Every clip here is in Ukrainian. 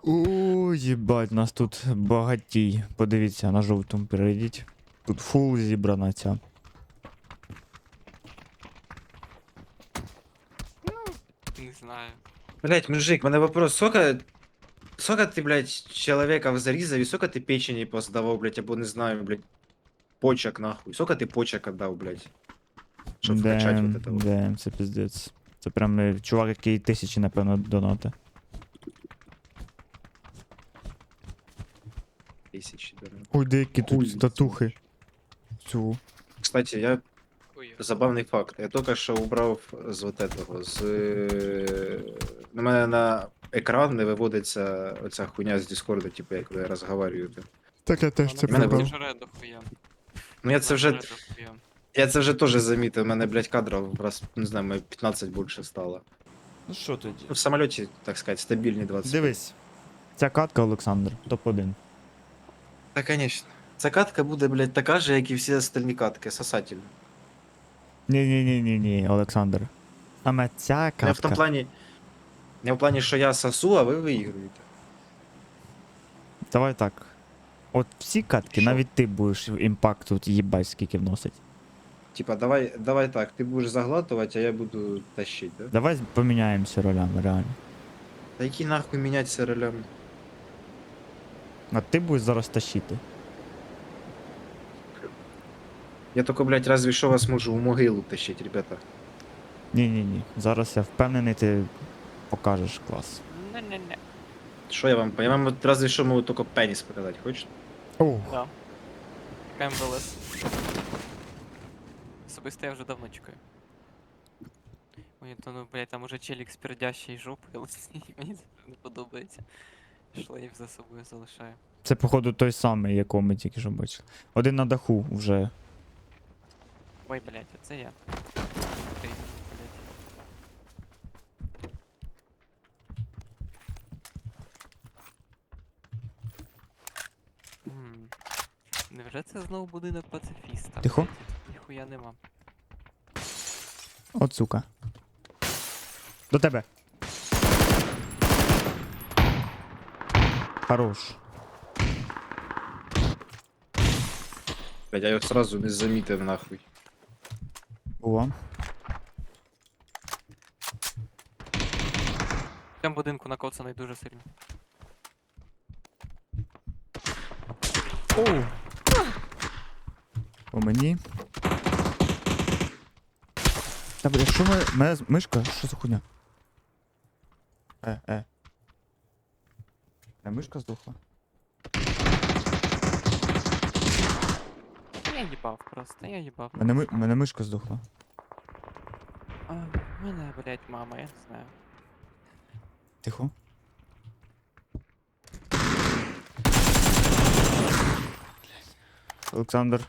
О, їбать, нас тут багатій. Подивіться, на жовтому перейдіть. Тут фул зібрана ця. Не знаю. Блять, мужик, у мене вопрос, сколько ти, блядь, чоловіків зарізав і сколько ти печені поздавав, блядь, або не знаю, блядь, почек нахуй. Сколько ти почек отдав, блядь, щоб вкачати вот это вот. Це піздець. Це прям чувак, який тисячі, напевно, донати. Тисячі, дорого. Ой, деякі Хуй тут татухи. Цю. Кстати, я Ой, забавний факт. Я тільки що убрав з вот этого, на мене на екран не виводиться оця хуйня з Дискорду, типу, як ви розговорюєте. Так я теж це мене вона прибрав. жре дохуя. Ну я це вже, Вона жре дохуя. я це вже теж замітив, у мене, блядь, кадрів раз, не знаю, може, 15 більше стало. Ну що тоді? Ну, в самоліті, так сказати, стабільні 20. Дивись. Ця катка, Олександр, топ-1. Та, конечно. Ця катка буде, блядь, така же, як і всі остальні катки, сосательна. Ні, Олександр. Саме ця Не в катка. тому плані, не в плані, що я сосу, а ви виігруєте. Давай так. От всі катки, Що? навіть ти будеш імпакт тут їбать скільки вносить. Типа, давай так, ти будеш заглатувати, а я буду тащить, да? Давай поміняємося ролями, реально. Та які нахуй мінятися ролями? А ти будеш зараз тащити. Я тільки, блядь, разве що вас можу в могилу тащить, ребята. Ні. Зараз я впевнений, ти покажеш клас. Не-не-не. Що я вам от разве що можу тільки пеніс показати, хочеш? О, Да. МВЛС. Особисто я вже давно чекаю. Ой, то ну, блядь, там уже челік з пердящої жопи, мені це не подобається. Шлейф за собою залишаю. це походу той самий, якого ми тільки що бачили. Один на даху вже. Ой, блядь, оце я. Окей, блядь. М. Невже це знову будинок пацифіста? Тихо. Блядь, ніхуя нема. От сука. До тебе. Хорош. Блядь, я його сразу не замітив нахуй. О. В цьому будинку накоцаний дуже сильно. Оу. По мені. Та бля, що мене мишка? Що за хуйня? Мишка здохла. Я їбав просто, я їбав. Мене мишка здохла. А, мене, блядь, мама, я не знаю. Тихо. Олександр.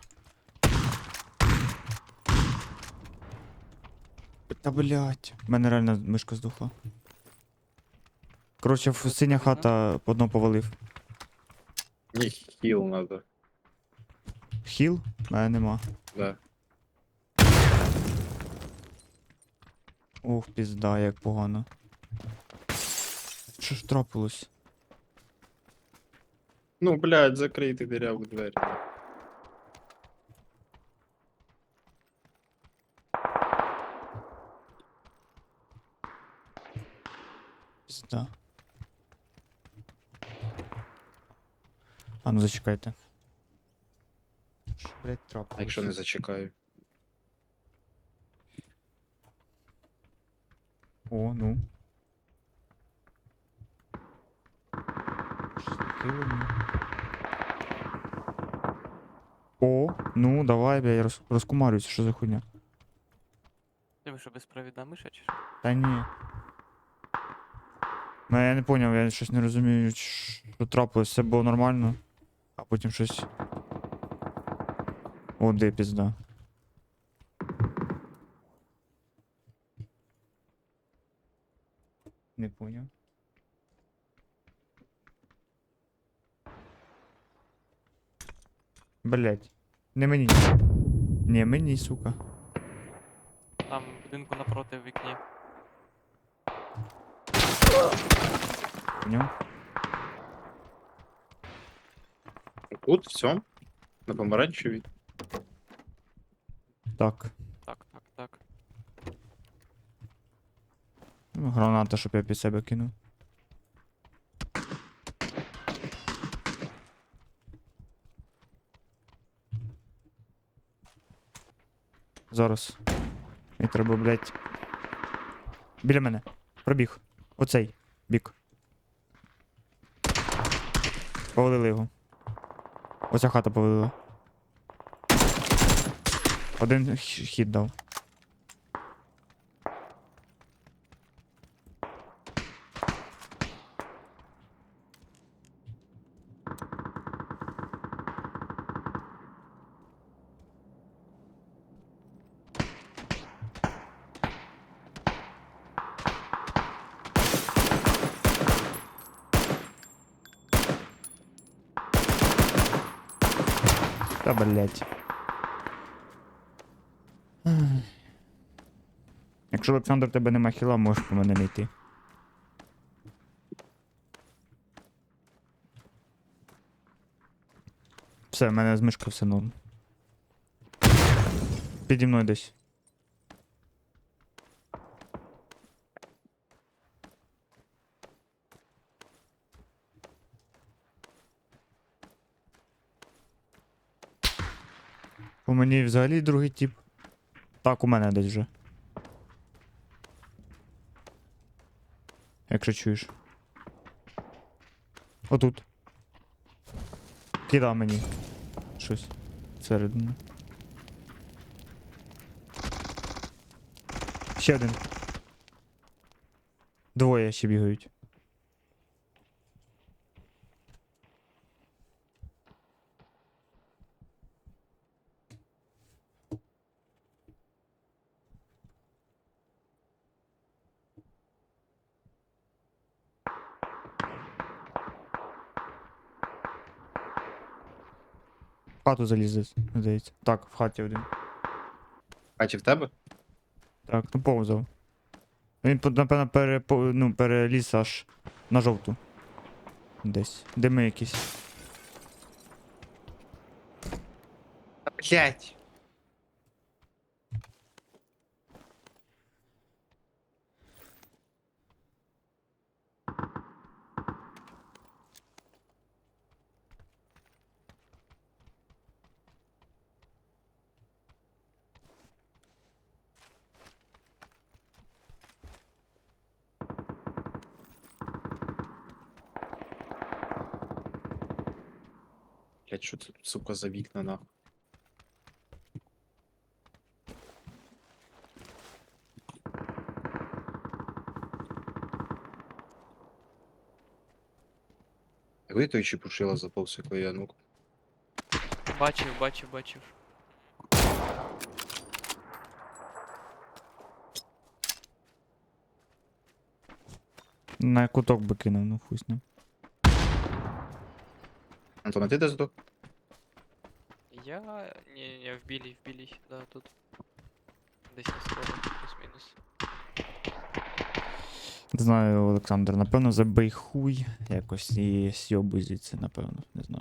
Та блять, в мене реально мишка здохла. Коротше, синя хата одного повалив. Ні, хіл надо. Хіл? Мене нема. Да. Ох, пізда, як погано. Що ж трапилось? Ну, блядь, закрийте диряву двері. Пізда. А ну зачекайте. Що, блять, А трапилось? якщо не зачекаю. О, ну. Щось таке воно. О, ну давай, бля, я розкумарююся, що за хуйня. Ти що, безпровідна миша чи що? Та ні. Ну я не поняв, я щось не розумію, що трапилось, все було нормально, а потім щось. О, де пізда. Не поняв. Блять. Не мені. Не мені, сука. Там в будинку напроти в вікні. Поняв? Тут все. На помаранчевій. Так. Так. Ну, граната, щоб я під себе кинув. Зараз. Мені треба, блядь. Біля мене. Пробіг. Оцей бік. Повалили його. Оця хата повалила. Один хід дав. Та блять. Якщо Олександр тебе нема хіла, можеш по мене не йти. Все, в мене з мишкою все норм. Піді мною десь. У мені взагалі другий тип. Так, у мене десь вже. Якщо чуєш. Отут. Кидав мені. Щось. Всередину. Ще один. Двоє ще бігають. В хату залізе, здається. Так, в хаті один. Хаті в тебе? Так, ну повзав. Він, напевно, переліз аж на жовту. Десь. Дими якісь. Блять. Блять, що це тут, сука, за вікна нахуй? Коли той чепушила заповз, коли я ну. Бачив. На куток би кинув, ну хуй з ним. Антон, а ти де здох? Я. Не, в білій, да, тут. Десь на сходах, плюс-мінус. Не знаю, Олександр, напевно, забий хуй якось і сьобуй звідси, напевно, не знаю.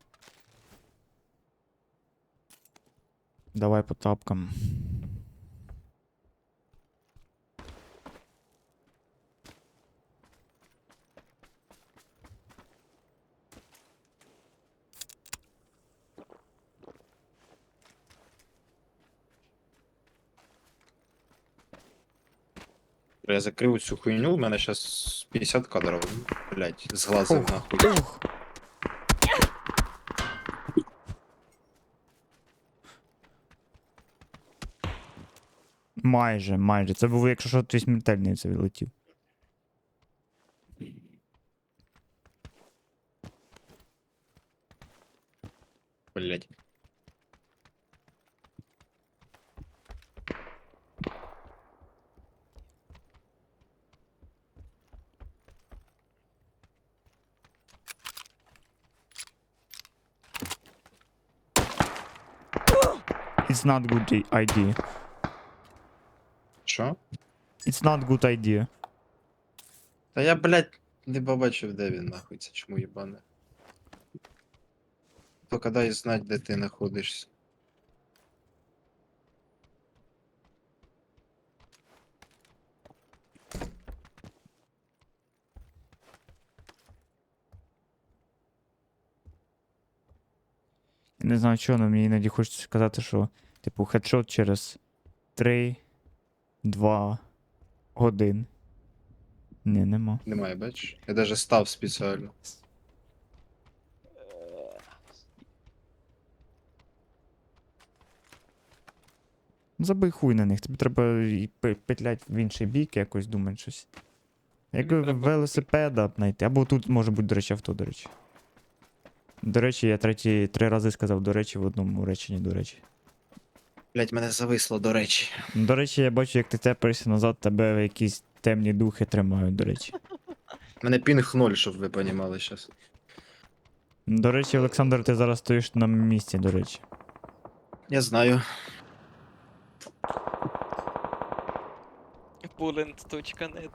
Давай по тапкам. Я закрив цю хуйню, у мене зараз 50 кадрів, блять, з глазом Ух, нахуй. ух. Майже. Це був, якщо що, твій смертельний це відлетів. Блять. It's not good idea. Що? It's not good idea. Та я, блять, не побачив, де він нахуй, це чому їбане. Тільки дай знати, де ти знаходишся. Я не знаю чого, але мені іноді хочеться сказати, що, типу, хедшот через 3, 2, 1. Ні, нема. Немає, бачиш? Я даже став спеціально. Забий хуй на них, тобі треба і петлять в інший бік, якось думати щось. Як Тобі треба велосипеда знайти. Або тут може бути, до речі, авто, до речі. До речі, я 3 рази сказав до речі в одному реченні, до речі. Блять, мене зависло, до речі. До речі, я бачу, як ти тепаєшся назад, тебе якісь темні духи тримають, до речі. Мене пінг 0, щоб ви понімали зараз. До речі, Олександр, ти зараз стоїш на місці, до речі. Я знаю. Pulent.net.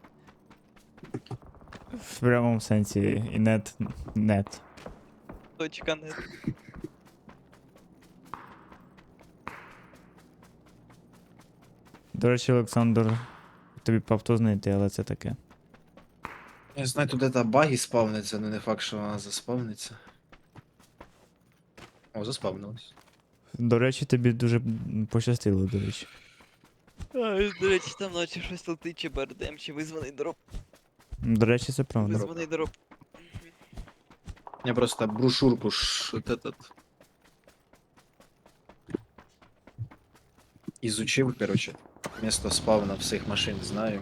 В прямому сенсі і нет. .net. До речі, Олександр, тобі б авто знайти, але це таке. Я знаю, тут де баги спавниться, але не факт, що вона заспавниться. О, заспавнилась. До речі, тобі дуже пощастило, до речі. До речі, там наче щось летить, чи БРДМ, чи визваний дроп. До речі, це правда. Визваний дроп. Я просто брошюрку вот этот изучил, короче. Место спавна всех машин знаю.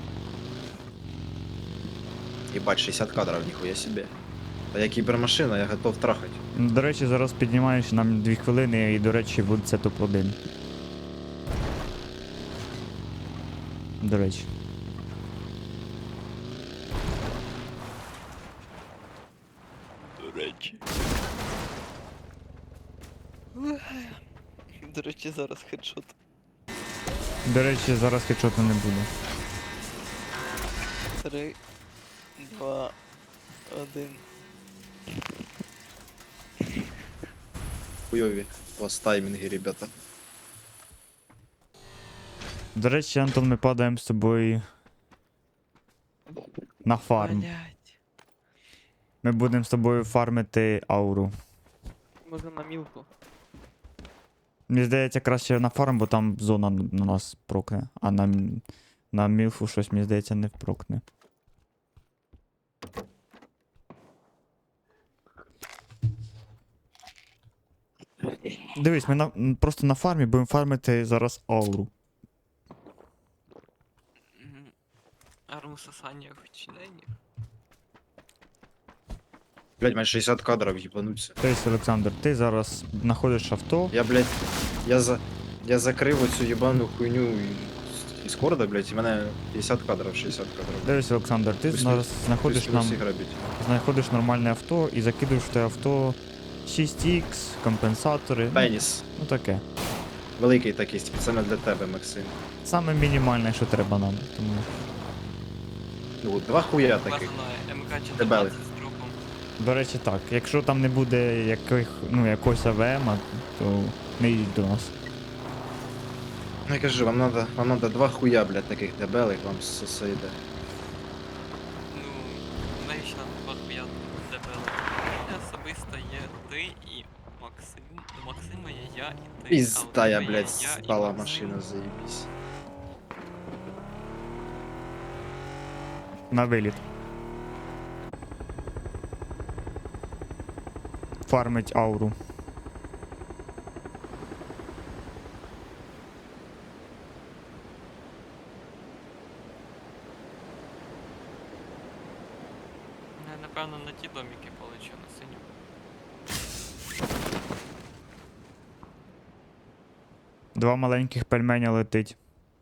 Ебать, 60 кадров, нихуя себе. А я кибермашина, я готов трахать. До речі, зараз піднімаєш нам 2 хвилини і, до речі, буде це топ-1. До речі. До речі. До речі, зараз хедшот. До речі, зараз хедшоту не буде. 3, 2, 1. Хуёви. У вас тайминги, ребята. До речі, Антон, ми падаємо з тобою на фарм. Блять. Ми будемо з тобою фармити ауру. Можна на мілку. Мені здається, краще на фарм, бо там зона на нас прокне, а на мілфу щось, мені здається, не впрокне. Дивись, ми просто на фармі будемо фармити зараз ауру. Арму сосання вчинення. Блять, man 60 кадров ебануться. Тобто, Олександр, ти зараз знаходиш авто. Я, блядь, я закрив оцю єбану хуйню із корда, блядь, і мене 50 кадров, 60 кадров. Дивись, Олександр, ти зараз знаходиш нормальне авто і закидуєш в те авто 6х, компенсатори. Пеніс. Ну таке. Великий такий, спеціально для тебе, Максим. Саме мінімальне, що треба нам. Тому... Ну, два хуя таких. Базана МК-14 Дебелих. з дропом. До речі, так. Якщо там не буде якогось АВМ, то не йдіть до нас. Ну я кажу, вам надо два хуя, блядь, таких дебелих, вам все йде. Ну, навіщо нам два дебели? Особисто є ти і Максим. У Максима є я і ти. Пізда, я, а у тебе блядь, є я і стала Максим. машина, заебись. На виліт. Фармить ауру. Я, напевно, на ті доміки полечу на синю. Два маленьких пельменя летить.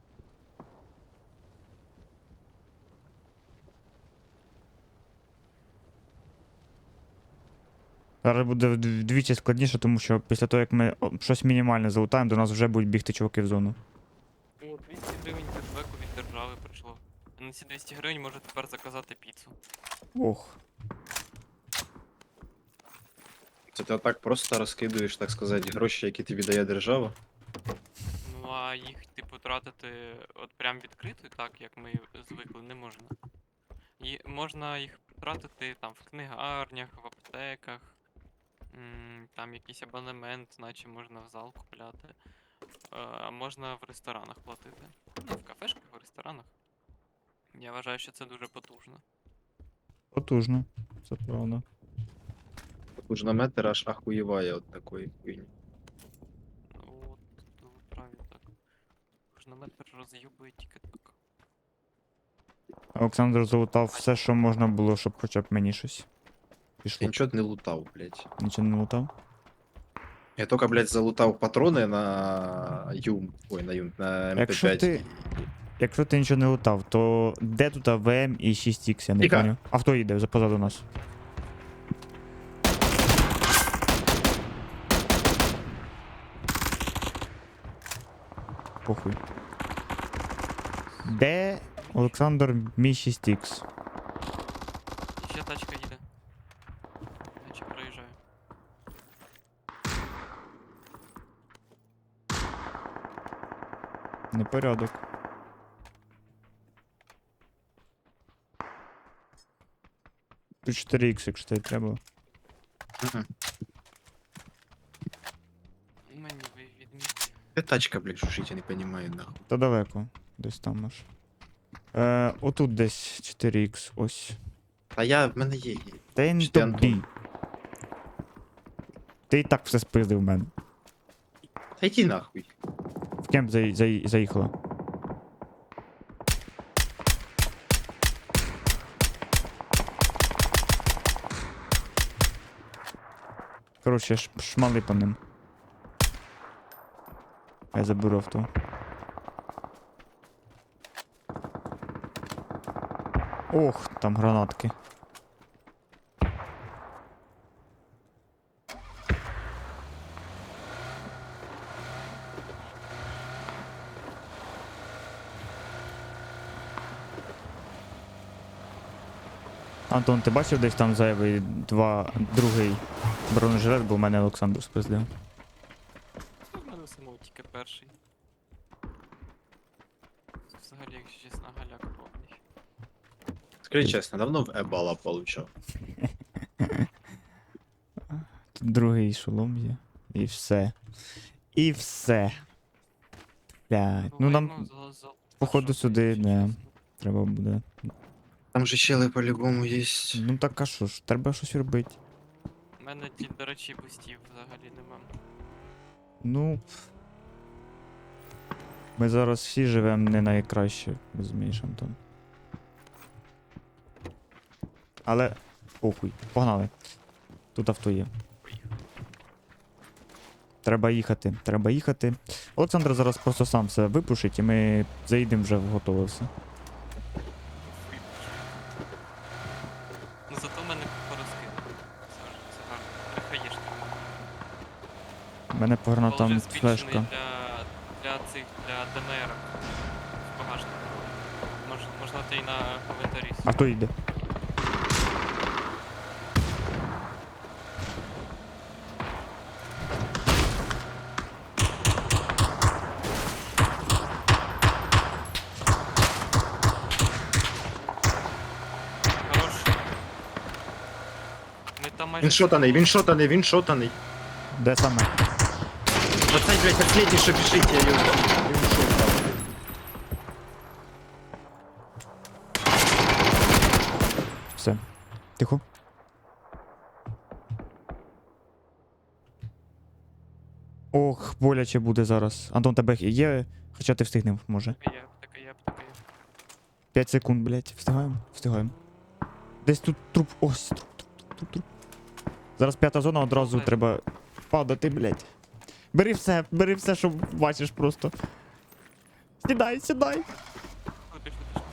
Зараз буде вдвічі складніше, тому що після того, як ми щось мінімальне залутаємо, до нас вже будуть бігти чуваки в зону. О, 200 гривень кешбеку від держави прийшло. А на ці 200 гривень можу тепер заказати піцу. Ох. Це ти отак просто розкидуєш, так сказати, гроші, які тобі дає держава. Ну а їх, типу, тратити от прям відкрито, так як ми звикли, не можна. І можна їх тратити там в книгарнях, в аптеках, там якийсь абонемент, наче можна в зал купляти. А можна в ресторанах платити. Ну, в кафешках, в ресторанах. Я вважаю, що це дуже потужно. Потужно. Це правда. Кужнометр аж ахуєває от такої хуйні. Ну, от ви праві так. Кожнометр роз'юбує тільки так. Олександр залутав все, що можна було, щоб хоча б мені щось Я пішло. нічого не лутав, блядь. Нічого не лутав? Я тільки, блядь, залутав патрони на Юм. Ой, на Юм, на МП5. Якщо ти нічого не лутав, то де тут АВМ і 6Х, я не Тихо. поняв. А хто їде позаду нас? Похуй. Де Олександр мій 6Х? Ще тачка їде. Наче проїжджаю. Непорядок. Тут 4Х, якщо тобі треба. Мгм. Мені ви відмітьте. Де тачка, блядь, шушить, я не понимаю, нахуй. Та далеко. Десь там аж. Отут десь 4Х, ось. Та я, в мене є. Та я не Чи ти, тобі. Антон? Ти і так все спиздив в мене. Та йди нахуй. В кемп заїхала. Коротше, шмали по ним. Я заберу авто. Ох, там гранатки. Антон, ти бачив десь там зайвий другий бронежилет, бо в мене Олександр спиздив. Ну, в мене самого тільки перший. Взагалі, якщо чесно, галяк повний. Скажи чесно, давно в Ебала получав. Тут другий шолом є. І все. І все. Блядь. Ну нам походу, сюди, не. Треба буде. Там же щели по-любому є. Ну так а що ж, треба щось робити. У мене, до речі, бустів взагалі нема. Ну. Ми зараз всі живемо не найкраще, розумієш, Антон. Але. Похуй. Погнали. Тут авто є. Треба їхати, треба їхати. Олександр зараз просто сам все випушить і ми заїдемо вже в готове все. Ну зато мене порозкинули. Це гарно. Хаєшки. У мене по гранатам флешка. Для ДНР. В багажнику. Можна ти й на коментарі. А хто йде? Хорош. Ми там майже... Він шотаний, він шотаний, він шотаний. Де саме? Оцей, блядь, последній, що біжить, я його. Він шотаний. Все. Тихо. Ох, боляче буде зараз. Антон, тебе є, хоча ти встигнеш, може. Є. 5 секунд, блядь. Встигаємо? Встигаємо. Десь тут труп. Ось, труп. Зараз п'ята зона, одразу Блядь. треба падати, блядь. Бери все, що бачиш просто. Сідай. Пішли.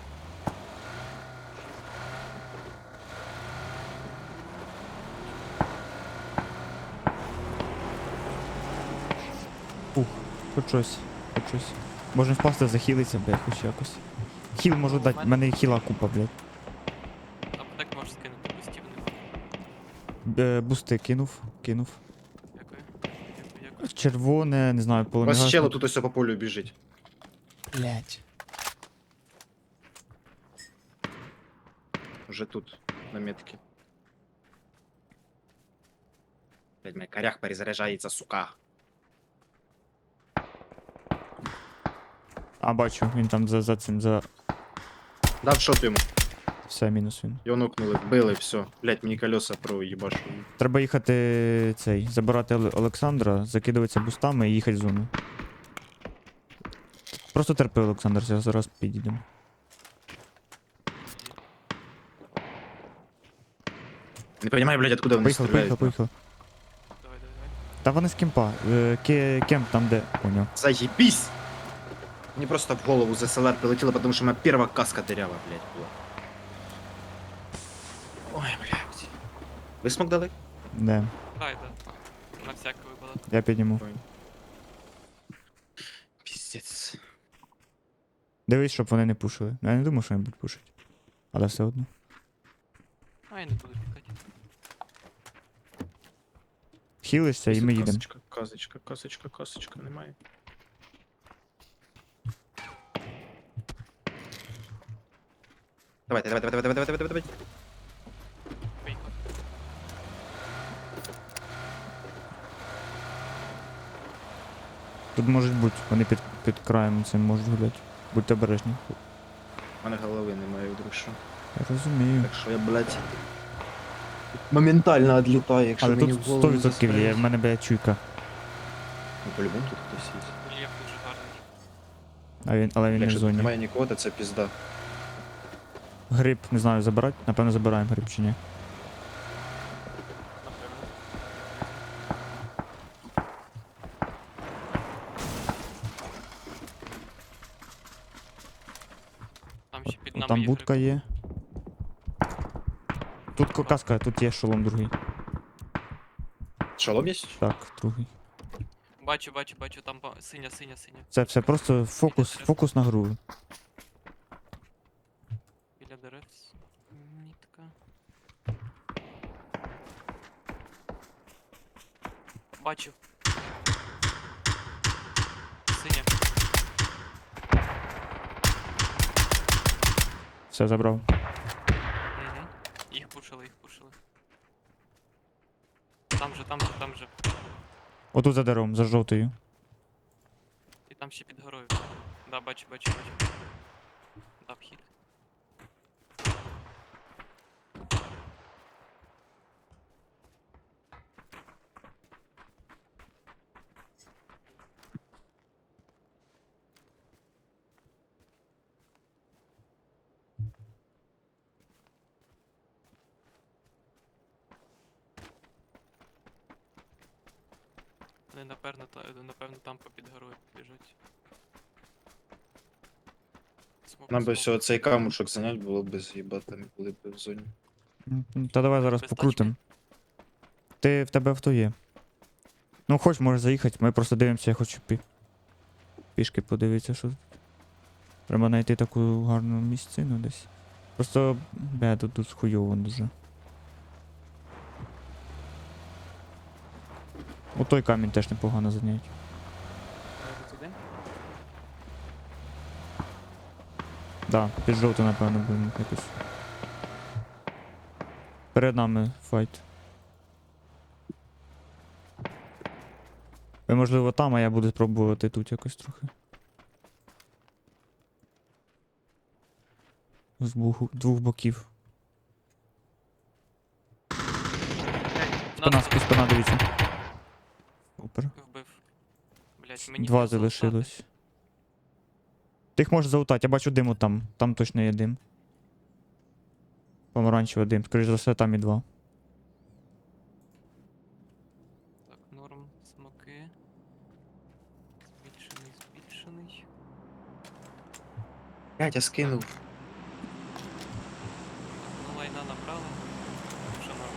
Хоч щось. Можна впасти, захилитися, блядь, хоч якось. Хіл можу дати, в мене хіла купа, блядь. Аптек можеш скинути, бустів нема. Бусти кинув. Дякую. Дякую. Червоне, не знаю, У вас полумігашник. чело тут ось по полю біжить. Блять. Уже тут, на метке. Блядь, мой корях перезаряджається, сука. А, бачу, він там за цим, за... Дав шот йому. Все, мінус він. Його нокнули, вбили, все. Блядь, мені колеса проїбашу. Треба їхати цей, забирати Олександра, закидуватися бустами і їхати в зону. Просто терпи, Олександр, зараз підійдемо. Не понимаю, блядь, откуда вони Поїхали, стріляють. поїхали. Давай. Та вони з кемпа. Кемп там де. Поняв. Заебись! Мені просто в голову з СЛР прилетіло, потому що моя перша каска дырява, блядь, була. Ой, блядь. Ви смог дали? Де. Дай, да. На всякий випадок. Я підніму. Пиздец. Дивись, щоб вони не пушили. Я не думаю, що вони будуть пушити. Але все одно. А я не буду пікати. Хілишся і ми їдемо. Касочка, немає. Давайте. Поїхали. Тут можуть бути, вони під краєм цим можуть гуляти. Будьте обережні. У мене голови немає, вдруг що. Я розумію. Так що я, блядь, моментально відлітаю, якщо Але мені тут в голову 100% є, застрелять. в мене блядь, чуйка. Ну, по-любому тут хтось є. Рельєф дуже гарний. Але він не в Якщо тут зоні. немає нікого, то це пізда. Гриб, не знаю, забирати. Напевно, забираємо гриб чи ні. Напевно. Там ще під нами Там є будка гриб. є. Тут каска, тут є шолом другий. Шолом є? Так, другий. Бачу, там синя. Все, просто фокус на гру. Біля дерев. Мітка. Бачу. Синя. Все, забрав. Угу. Їх пушили. Там же. Отут за деревом, за жовтою. І там ще під горою. Да, бачу. Дав хід. Вони напевно там попід горою біжать. Нам би всього цей камушок занять було б з'їбати, ми були б в зоні. Та давай зараз Без покрутим. В тебе авто є. Ну, хоч можеш заїхати, ми просто дивимося, я хочу пішки подивитися, що тут. Треба знайти таку гарну місцину десь. Просто, тут хуйово дуже. О, той камінь теж непогано зайняти. Туди? Да, під жовту, напевно, будемо якось. Перед нами файт. Ви, можливо, там, а я буду спробувати тут якось трохи. З двох боків. Спина, дивіться. Супер. Вбив. Блять, мені Два треба залутати. залишилось. Ти їх можеш залутати, я бачу диму там. Там точно є дим. Помаранчевий дим. Скоріше за все, там і два. Так, норм, смоки. Збільшений. Блядь, я скинув. Ну, лайна набрали. Вже норм.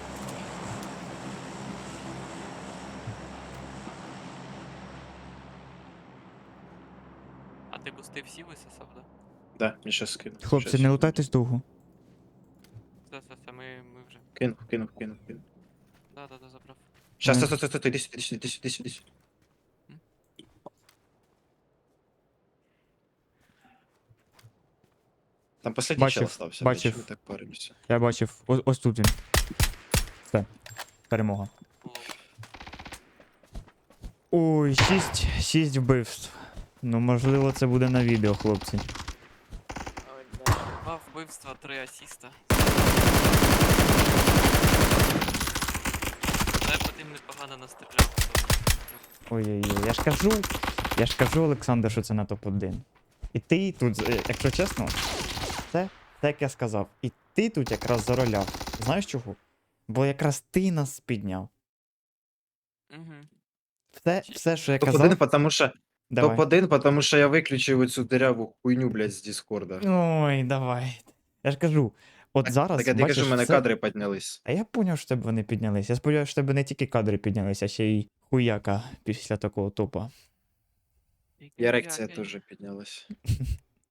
А ти бусти всі висосав, да? Да, я щас скину. Хлопці, Щас. не лутайтесь довго. Все, ми вже. Кинув. Да, забрав. Щас, Мгм. стой, иди сюда, иди сюда, иди сюда, иди сюда. М? Там последний чел Бачив, остался, блядь, чё мы бачив. так паримся? Я бачив. Ось тут він. Все. Перемога. Лол. Ой, 6 вбивств. Ну, можливо, це буде на відео, хлопці. Ой, да. 2 вбивства, 3 асіста. Дай по тим непогано настріляв. Ой-ой-ой, я ж кажу, Олександр, що це на топ-1. І ти тут, якщо чесно, це як я сказав, і ти тут якраз зароляв. Знаєш чого? Бо якраз ти нас підняв. Угу. Все, що я казав, Топ-1, потому что... давай. Топ-1, потому что я выключил эту дырявую хуйню, блядь, с Дискорда. Ой, давай. Я ж кажу, от зараз, Так я тобі кажу, бачиш, в мене все... кадри піднялись. А я поняв, що тебе вони піднялись. Я сподіваюся, що тебе не тільки кадри піднялися, а ще й хуяка після такого топа. І ерекція теж піднялась.